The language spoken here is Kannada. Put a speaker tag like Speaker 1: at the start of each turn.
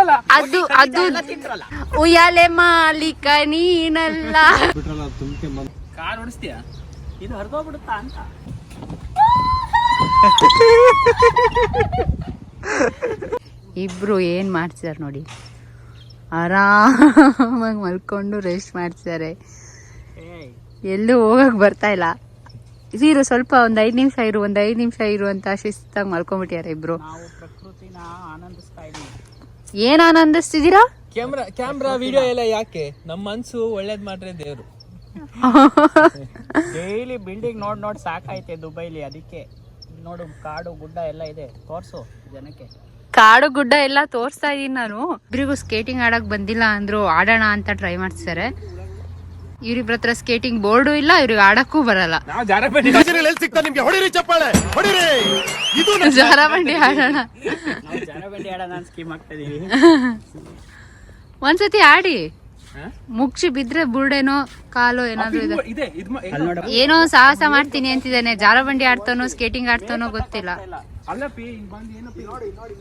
Speaker 1: ಅದು ಅದು ಉಯ್ಯಾಲೆ ಮಾಲೀಕ ನೀನಲ್ಲ.
Speaker 2: ಕಾರ್ ಓಡಿಸ್ತೀಯ? ಇದು ಹರಿದೋಗ್ಬಿಡುತ್ತಾ ಅಂತ.
Speaker 1: ಇಬ್ರು ಏನ್ ಮಾಡ್ತಿದಾರೆ ನೋಡಿ, ಆರಾಮಾಗಿ ಮಲ್ಕೊಂಡು ರೆಸ್ಟ್ ಮಾಡ್ತಿದ್ದಾರೆ. ಎಲ್ಲೂ ಹೋಗಕ್ ಬರ್ತಾ ಇಲ್ಲ. ಇರು ಸ್ವಲ್ಪ ಒಂದ್ 5 ನಿಮಿಷ ಇರು, ಒಂದ್ 5 ನಿಮಿಷ ಇರು ಅಂತ ಶಿಸ್ತಾಗಿ ಮಲ್ಕೊಂಡ್ಬಿಟ್ಟಿದ್ದಾರೆ ಇಬ್ರು.
Speaker 2: ನಾವು ಪ್ರಕೃತಿನ ಆನಂದಿಸ್ತಾ ಇದೀವಿ.
Speaker 1: ಏನ್ ಆನಂದಿಸ್ತಿದ್ದೀರಾ?
Speaker 3: ಕ್ಯಾಮ್ರಾ ವಿಡಿಯೋ ಎಲ್ಲ ಯಾಕೆ? ನಮ್ಮ ಮನ್ಸು ಒಳ್ಳೇದ್ ಮಾಡ್ರೆ ದೇವ್ರು.
Speaker 2: ಡೈಲಿ ಬಿಲ್ಡಿಂಗ್ ನೋಡ್ ಸಾಕಾಯ್ತೆ ದುಬೈಲಿ. ಅದಕ್ಕೆ ನೋಡು, ಕಾಡು ಗುಡ್ಡ ಎಲ್ಲ ಇದೆ, ತೋರ್ಸು ಜನಕ್ಕೆ.
Speaker 1: ಕಾಡು ಗುಡ್ಡ ಎಲ್ಲ ತೋರಿಸ್ತಾ ಇದೀನಿ ನಾನು. ಇಬ್ರಿಗೂ ಸ್ಕೇಟಿಂಗ್ ಆಡಕ್ ಬಂದಿಲ್ಲ ಅಂದ್ರು, ಆಡೋಣ ಅಂತ ಟ್ರೈ ಮಾಡ್ತಿದ್ದಾರೆ. ಇವ್ರಿಬ್ರ ಹತ್ರ ಸ್ಕೇಟಿಂಗ್ ಬೋರ್ಡು ಇಲ್ಲ, ಇವ್ರಿಗೆ ಆಡಕ್ಕೂ ಬರಲ್ಲ. ಜಾರಬಂಡಿ ಆಡೋಣ,
Speaker 2: ಜಾರಬಂಡಿ ಆಡೋಣ ಸ್ಕೀಮ್ ಆಗ್ತಾ ಇದೀವಿ.
Speaker 1: ಒಂದ್ಸತಿ ಆಡಿ ಮುಗ್ಸಿ ಬಿದ್ರೆ ಬುರ್ಡೇನೋ ಕಾಲು ಏನಾದ್ರು ಇದೆ. ಏನೋ ಸಾಹಸ ಮಾಡ್ತೀನಿ ಅಂತಿದ್ದಾನೆ. ಜಾರಬಂಡಿ ಆಡ್ತಾನೋ ಸ್ಕೇಟಿಂಗ್ ಆಡ್ತಾನೋ ಗೊತ್ತಿಲ್ಲ.